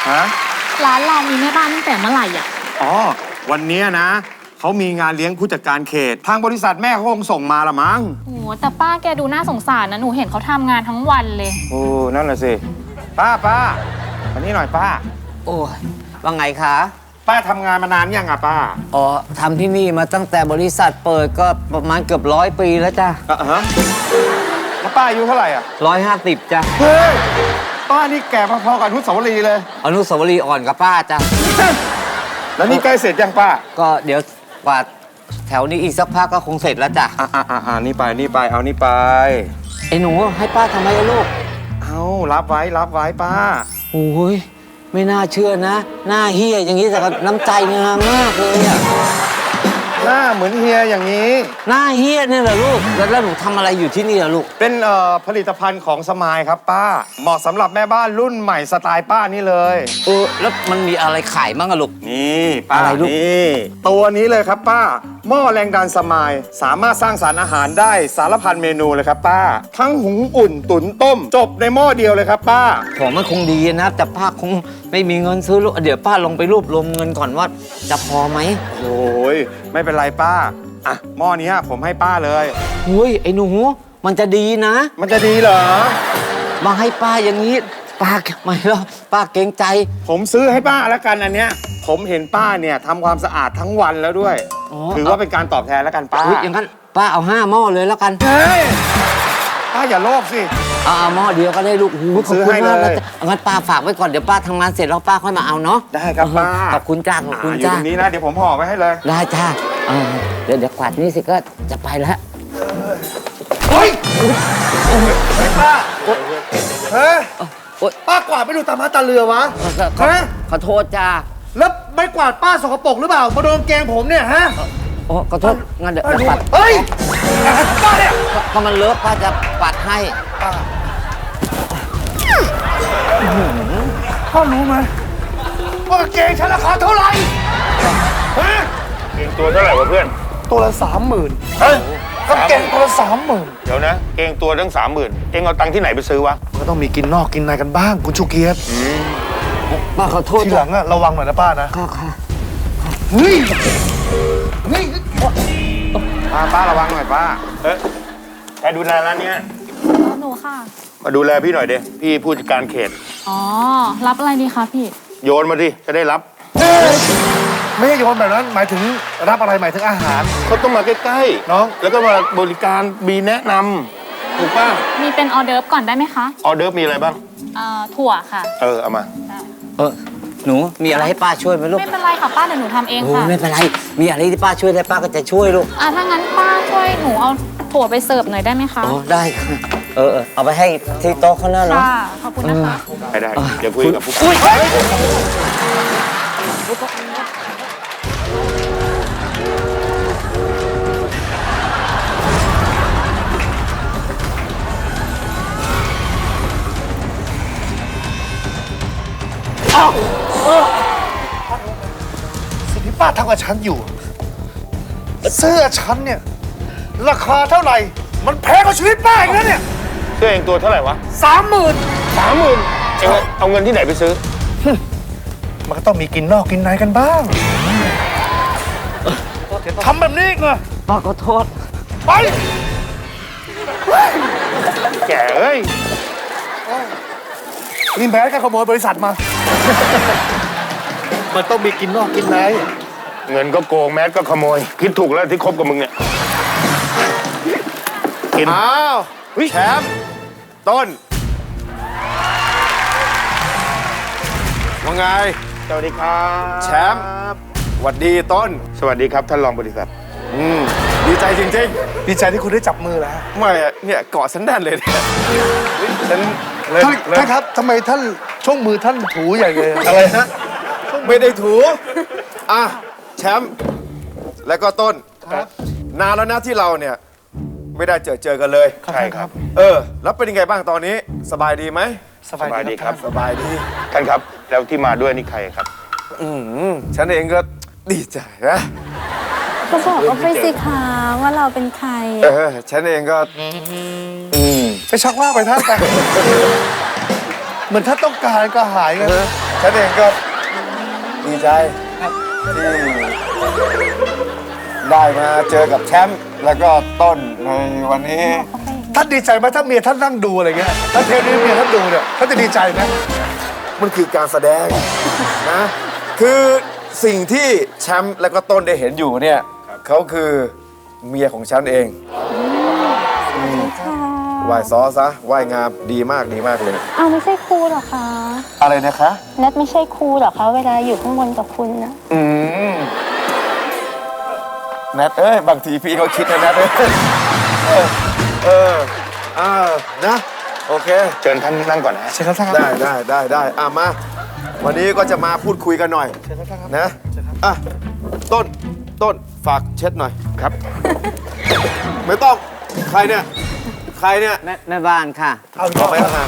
ฮะร้านเรามีแม่บ้านตั้งแต่เมื่อไหร่อ่ะอ๋อวันนี้นะเขามีงานเลี้ยงผู้จัดการเขตทางบริษัทแม่เขาคงส่งมาละมั้งโอ้แต่ป้าแกดูน่าสงสารนะหนูเห็นเขาทำงานทั้งวันเลยโอ้นั่นแหละสิป้าวันนี้หน่อยป้าโอ้ยว่าไงคะป้าทำงานมานานยังอะป้าอ๋อทำที่นี่มาตั้งแต่บริษัทเปิดก็ประมาณเกือบ100 ปีแล้วจ้ะฮะแล้วป้าอายุเท่าไหร่อ่ะ 150จ้ะเฮ้ยป้านี่แก่พอๆกับอนุสาวรีย์เลยอนุสาวรีย์อ่อนกับป้าจ้ะแล้วนี่ใกล้เสร็จยังป้าก็เดี๋ยวกวาดแถวนี้อีกสักพักก็คงเสร็จแล้วจ้ะนี่ไปเอานี่ไปไอ้หนูให้ป้าทำไมลูกเอารับไว้ป้าโอ้ยไม่น่าเชื่อนะหน้าเฮียอย่างนี้แต่ก็น้ำใจงามมากเลยอะหน้าเหมือนเฮียอย่างนี้หน้าเฮียเนี่ยเหรอลูกแล้วหนูทำอะไรอยู่ที่นี่เหรอลูกเป็นผลิตภัณฑ์ของสมายครับป้าเหมาะสำหรับแม่บ้านรุ่นใหม่สไตล์ป้านี่เลยแล้วมันมีอะไรขายบ้างอะลูกนี่ป้านี่ตัวนี้เลยครับป้าหม้อแรงดันสมายสามารถสร้างสารอาหารได้สารพันเมนูเลยครับป้าทั้งหุงอุ่นตุ๋นต้มจบในหม้อเดียวเลยครับป้าของมันคงดีนะแต่ป้าคงไม่มีเงินซื้อลูกเดี๋ยวป้าลงไปรวบรวมเงินก่อนว่าจะพอไหมโอ้ยไม่เป็นไรป้าอ่ะหม้อนี้ผมให้ป้าเลยเฮ้ยไอ้หนูมันจะดีนะมันจะดีเหรอมาให้ป้าอย่างนี้ป้าไม่หรอกป้าเกรงใจผมซื้อให้ป้าแล้วกันอันเนี้ยผมเห็นป้าเนี่ยทำความสะอาดทั้งวันแล้วด้วยถือว่าเป็นการตอบแทนแล้วกันป้าอย่างนั้นป้าเอา5 หม้อเลยแล้วกันเฮ้ยป้าอย่าโลภสิเอาหม้อเดียวก็ได้ลูกขอบคุณมากนะงั้นป้าฝากไว้ก่อนเดี๋ยวป้าทำงานเสร็จแล้วป้าค่อยมาเอาเนาะได้ครับป้าขอบคุณจ้าขอบคุณจ้าอยู่ตรงนี้นะเดี๋ยวผมห่อไว้ให้เลยได้จ้าเดี๋ยวกวาดนี่สิก็จะไปแล้วเฮ้ยป้าเฮ้ยป้ากวาดไม่ดูตามาตาเรือวะขอโทษจ้าแล้วไม่กวาดป้าสกปรกหรือเปล่ามาโดนแกงผมเนี่ยฮะโอ้ขอโทษงั้นเดี๋ยวปัดเฮ้ยป้าเนี่ยพอมันเลอะป้าจะปัดให้พ่อรู้ไหมว่าเกงฉันราคาเท่าไหร่ฮะเกงตัวเท่าไหร่วะเพื่อนตัวละ30,000เฮ้ยก็เกงตัวละ30,000 เดี๋ยวนะเกงตัวตั้ง30,000เองเอาตังค์ที่ไหนไปซื้อวะก็ต้องมีกินนอกกินในกันบ้างคุณชูเกียรติป้าขอโทษทีหลังอะระวังหน่อยนะป้านะค่ะเฮ้ยป้าระวังหน่อยป้าใครดูแลร้านเนี้ยหนูค่ะมาดูแลพี่หน่อยเด้พี่ผู้จัดการเขตอ๋อรับอะไรดีคะพี่โยนมาดิจะได้รับไม่ใช่โยนแบบนั้นหมายถึงรับอะไรหมายถึงอาหารเขาต้องมาใกล้ๆน้องแล้วก็มาบริการมีแนะนำถูกป่ะมีเป็นออเดิร์ฟก่อนได้ไหมคะออเดิร์ฟมีอะไรบ้างถั่วค่ะเอามาหนูมีอะไรให้ป้าช่วยไหมลูกไม่เป็นไรค่ะป้าเดี๋ยวหนูทำเองค่ะไม่เป็นไรมีอะไรที่ป้าช่วยได้ป้าก็จะช่วยลูกถ้างั้นป้าช่วยหนูเอาถั่วไปเสิร์ฟหน่อยได้ไหมคะได้ค่ะเอาไปให้ที่โต๊ะข้างหน้าเนาะค่ะขอบคุณนะคะได้เดี๋ยวคุยกับผู้สิ่งที่ป้าทำกับฉันอยู่เสื้อฉันเนี่ยราคาเท่าไหร่มันแพงกว่าชีวิตป้าอีกแล้วเนี่ยเสื้อเองตัวเท่าไหร่วะ 30,000 เองเอาเงินที่ไหนไปซื้อมันก็ต้องมีกินนอกกินในกันบ้างทำแบบนี้ไงป้าขอโทษไปแก่เอ้ยนี่แม้การขโมยบริษัทมามันต้องมีกินนอกกินในเงินก็โกงแมสก็ขโมยคิดถูกแล้วที่คบกับมึงเนี่ยกินอ้าวแชมป์ต้นว่าไงสวัสดีครับแชมป์สวัสดีต้นสวัสดีครับท่านรองบริษัทดีใจจริงๆดีใจที่คุณได้จับมือแล้วไม่เนี่ยเกาะฉันแน่นเลยเนี่ยท่านครับทำไมท่านช่วงมือท่านถูใหญ่เลยอะไรฮะไม่ได้ถูแชมป์และก็ต้นนานแล้วนะที่เราเนี่ยไม่ได้เจอกันเลยใช่ครับแล้วเป็นยังไงบ้างตอนนี้สบายดีไหมสบายดีครับสบายดีท่านครับแล้วที่มาด้วยนี่ใครครับฉันเองก็ดีใจนะก็บอกว่าไปสิคะว่าเราเป็นใครฉันเองก็ไปชักว่าไปท่านไปเหมือนท่านต้องการก็หายกันฉันเองก็ดีใจที่ได้มาเจอกับแชมป์แล้วก็ต้นในวันนี้ท่านดีใจไหมถ้าเมียท่านนั่งดูอะไรเงี้ยถ้าเทปนี้เมียท่านดูเนี่ยท่านจะดีใจไหมมันคือการแสดงนะคือสิ่งที่แชมป์แล้วก็ต้นได้เห็นอยู่เนี่ยเขาคือเมียของฉันเองไหว้ซอซะไหว้งามดีมากดีมากเลยอ้าวไม่ใช่ครูเหรอคะอะไรนะคะแนทไม่ใช่ครูเหรอคะเวลาอยู่ข้างบนกับคุณนะแนทบางทีพี่ก็คิดนะแนทนะโอเคเชิญท่านนั่งก่อนนะเชิญครับท่านได้มา วันนี้ก็จะมาพูดคุยกันหน่อยนะอ่ะต้นฝากเช็ดหน่อยครับไม่ต้องใครเนี่ยแม่บ้านค่ะเอาต่อไปแล้วนะ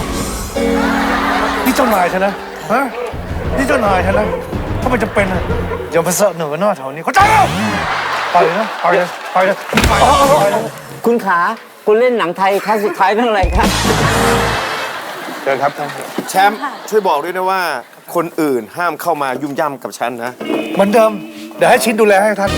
นี่เจ้านายฉันนะฮะนี่เจ้านายฉันนะถ้ามันจะเป็นอะอย่ามาเสอะเหนือหน้าแถวนี้เข้าใจเปล่าไปเลยนะไปเลยไปเลยไปเลยคุณขาคุณเล่นหนังไทยครั้งสุดท้ายเรื่องอะไรคะเชิญครับท่านแชมป์ช่วยบอกด้วยนะว่า คนอื่นห้ามเข้ามายุ่มย่ำกับฉันนะเหมือนเดิมเดี๋ยวให้ชิ้นดูแลให้ท่าน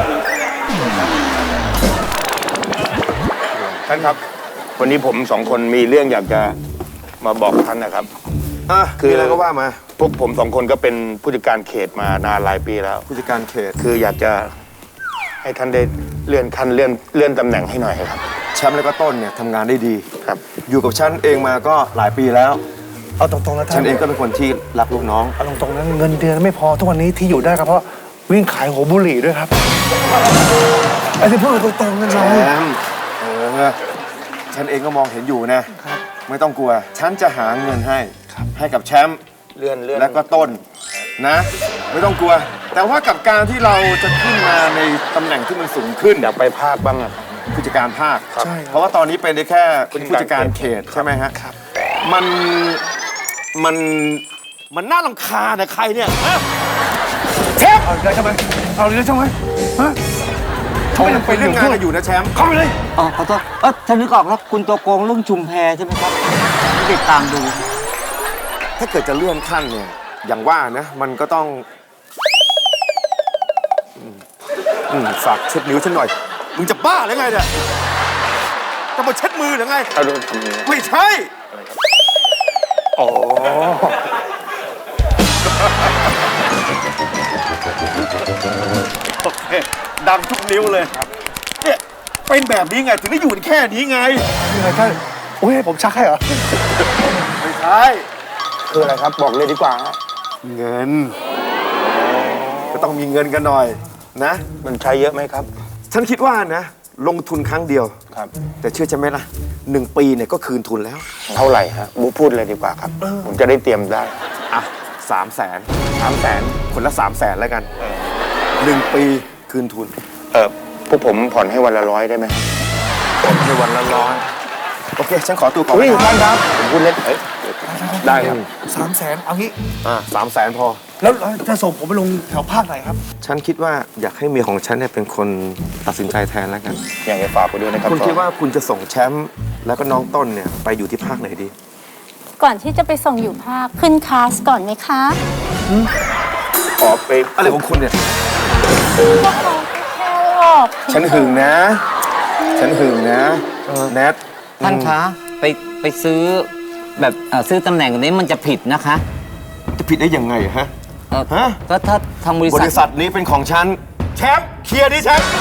ท่านครับ วันนี้ผมสองคนมีเรื่องอยากจะมาบอกท่านนะครับคืออะไรก็ว่ามาพวกผมสองคนก็เป็นผู้จัดการเขตมานานหลายปีแล้วผู้จัดการเขตคืออยากจะให้ท่านได้เลื่อนขั้นเลื่อนตำแหน่งให้หน่อยครับแชมป์แล้วก็ต้นเนี่ยทำงานได้ดีครับอยู่กับฉันเองมาก็หลายปีแล้วเอาตรงๆนะท่านฉันเองก็เป็นคนที่รักลูกน้องเอาตรงๆนะเงินเดือนไม่พอทุกวันนี้ที่อยู่ได้ก็เพราะวิ่งขายหัวบุหรี่ด้วยครับไอ้ที่พูดตรงๆนั่นแชเรามป์ฉันเองก็มองเห็นอยู่นะ ไม่ต้องกลัว ฉันจะหาเงินให้กับแชมป์เลื่อนและก็ต้นนะ ไม่ต้องกลัว แต่ว่ากับการที่เราจะขึ้นมาในตำแหน่งที่มันสูงขึ้นอยากไปภาคบ้างอะผู้จัดการภาคใช่เพราะว่าตอนนี้เป็นได้แค่ผู้จัดการเขตใช่ไหมฮะมันน่ารำคาญนะใครเนี่ยฮะเชฟเอาได้ใช่ไหมเอาเลยใช่ไหมฮะเขายังเป็นเรื่องงานกันอยู่นะแชมป์เข้าไปเลยอ๋อขอโทษฉันนึกออกแล้วคุณตัวโกงเรื่องชุมแพใช่ไหมครับไม่ติดตามดูถ้าเกิดจะเลื่อนขั้นเนี่ยอย่างว่านะมันก็ต้องฝากเช็ดนิ้วฉันหน่อยมึงจะบ้าหรือไงเนี่ยจะมาเช็ดมือหรือไงเอาดูทำยังไงไม่ใช่อ๋อโอเคดังทุกนิ้วเลยเนี่ยเป็นแบบนี้ไงถึงได้อยู่กันแค่นี้ไงยังไงท่านโอ้ยให้ผมชักให้เหรอไม่ใช่คืออะไรครับบอกเลยดีกว่าเงินก็ต้องมีเงินกันหน่อยนะมันใช้เยอะไหมครับฉันคิดว่านะ ลงทุนครั้งเดียวครับแต่เชื่อฉันไหมล่ะ1 ปีเนี่ยก็คืนทุนแล้วเท่าไหร่ฮะบูพูดเลยดีกว่าครับ ผมจะได้เตรียมได้อ่ะ300,000 300,000 คนละ300,000แล้วกัน1 ปีคืนทุนพวกผมผ่อนให้วันละ100ได้ไหมในวันละ100โอเค ฉันขอตัวก่อนอุ้ยท่านครับผมพูดเล่นได้ครับ 300,000เอางี้ 300,000พอแล้วจะส่งผมไปลงแถวภาคไหนครับฉันคิดว่าอยากให้เมียของฉันเนี่ยเป็นคนตัดสินใจแทนแล้วกันอยากจะฝากไปด้วยนะครับคุณคิดว่าคุณจะส่งแชมป์แล้วก็น้องต้นเนี่ยไปอยู่ที่ภาคไหนดีก่อนที่จะไปส่งอยู่ภาคขึ้นคลาสก่อนไหมคะขอไปอะไรของคุณเนี่ยพวกเราแค่หลอกฉันหึงนะ ฉันหึงนะแนทท่านคะไปซื้อแบบซื้อตำแหน่งนี้มันจะผิดนะคะจะผิดได้ยังไงฮะ ฮะก็ถ้าทางบริบษัทริษัทนี้เป็นของฉัน แชมป์เคลียร์ดิแชมป์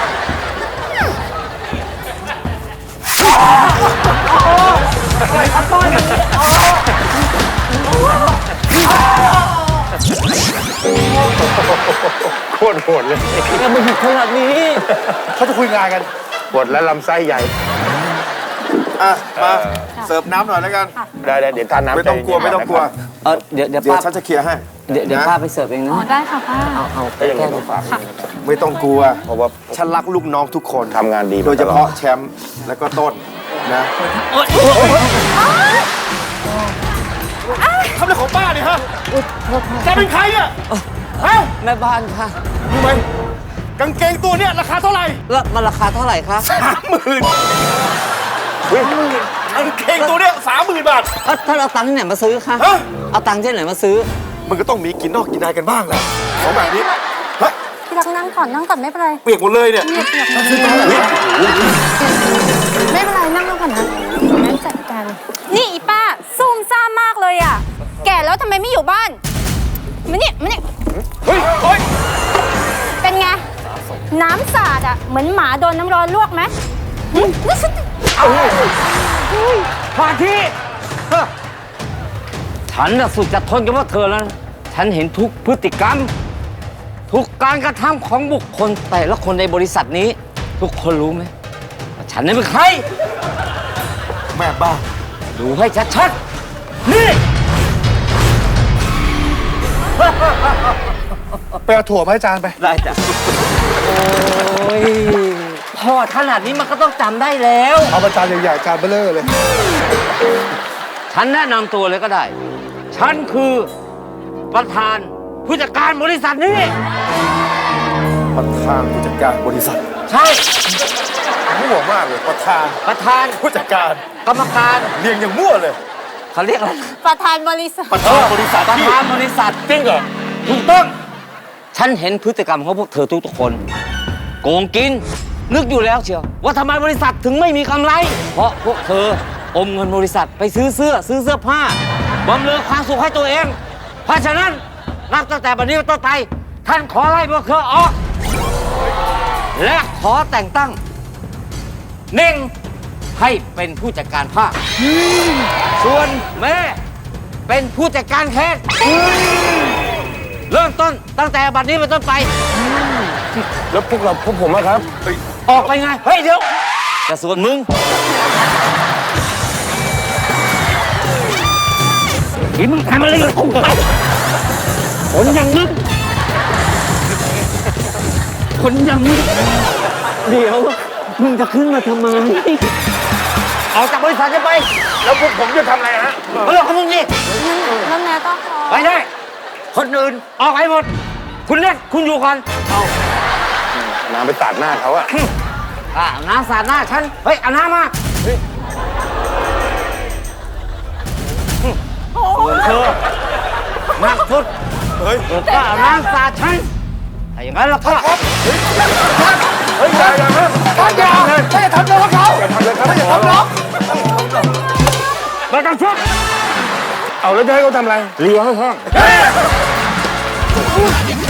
โคตรโหดเลยยังไม่ผิดขนาดนี้เขาจะคุยงานกันปวดและลำไส้ใหญ่อ่ะ มาเสิร์ฟน้ำหน่อยแล้วกันได้เดี๋ยวทานน้ำไม่ต้องกลัวใจเย็นๆไม่ต้องกลัวนะครับเดี๋ยวเดี๋ยวป้าฉันจะเคลียร์ให้เดี๋ยวนะป้าไปเสิร์ฟเองนะอ๋อได้ค่ะป้าเอาไปก็ยังไงแค่ต้องฝากด้วยนะครับไม่ต้องกลัวเพราะว่าฉันรักลูกน้องทุกคนทำงานดีมาโดยเฉตลอพาะดแชมป์แล้วก็ต้นนะทำอะไรของป้าเนี่ยฮะแกเป็นใครเนี่ยฮะแม่บ้านค่ะรู้ไหมกางเกงตัวเนี้ยราคาเท่าไหร่แล้วมันราคาเท่าไหร่คะ 30,000 เฮ้ยเข่งตัวเนี้ย30,000 บาทท่านเอาตังค์ที่ไหนมาซื้อคะฮะเอาตังค์ที่ไหนมาซื้อมันก็ต้องมีกินนอกกินในกันบ้างแหละของแบบนี้ฮะที่รักนั่งก่อนนั่งก่อนไม่เป็นไรเปียกหมดเลยเนี่ยไม่เป็นไรนั่งลงก่อนนะงั้นจัดการนี่อีป้าซุ่มซ่ามมากเลยอ่ะแก่แล้วทำไมไม่อยู่บ้านมานี่เฮ้ยเฮ้ยเป็นไงน้ำสาดอ่ะเหมือนหมาโดนน้ำร้อนลวกไหมนี่ฉันพาที่ฉันน่ะสุดจะทนกับว่าเธอแล้วนะฉันเห็นทุกพฤติกรรม ทุกการกระทำของบุคคลแต่ละคนในบริษัทนี้ ทุกคนรู้ไหมว่าฉันนี่เป็นใครแม่บ้าดูให้ชัดๆ นี่ไปเอาถั่วมาให้จานไปได้จ้ะ โอ้ยพอขนาดนี้มันก็ต้องจำได้แล้วเอามาจานใหญ่ๆจานเบลเลอร์เลยฉันแนะนำตัวเลยก็ได้ ฉันคือประธานผู้จัดการบริษัทนี้ประธานผู้จัดการบริษัทใช่มั่วมากเลยประธานประธานผู้จัดการกรรมการเรียงอย่างมั่วเลยเขาเรียกอะไรประธานบริษัทประธานบริษัทประที่ธานบริษัทจริงเหรอถูกต้อง ฉันเห็นพฤติกรรมของพวกเธอทุกๆคน โกงกิน นึกอยู่แล้วเชียวว่าทำไมบริษัทถึงไม่มีกำไร เพราะพวกเธออมเงินบริษัทไปซื้อเสื้อผ้าบำเรอความสุขให้ตัวเอง เพราะฉะนั้นนับตั้งแต่บัดนี้เป็นต้นไป ท่านขอไล่พวกเธอออก และขอแต่งตั้งเน่งให้เป็นผู้จัดการภาคส่วนแม่เป็นผู้จัดการแคสเริ่มต้นตั้งแต่บัดนี้เป็นต้นไปแล้วพวกผมอะครับออกไปไง เฮ้ย เดี๋ยวแต่ส่วนมึงที่มึงทำอะไรกับกูไปคนอย่างมึงคนอย่างมึงเดี๋ยว มึงจะขึ้นมาทำไมออกจากบริษัทจะไปแล้วพวกผมจะทำอะไรฮะเรื่องของมึงนี่แล้วแม่ก็ขอไปได้ คนอื่นออกไปหมด คุณเล่นคุณอยู่ก่อนน้ำไปตัดหน้าเขาอะเอาน้ำสาดหน้าฉัน เฮ้ย เอาน้ำมาส่วนเธอมากสุดเฮ้ยเธอก็เอาน้ำสาดฉันถ้าอย่างนั้นแล้วก็เฮ้ยอย่านะท่านอย่าท่านอย่าทำน้องเขาอย่าทำเลยครับอย่าทำน้องไม่ต้องชุบเอาแล้วจะให้เขาทำอะไรเลียให้แห้ง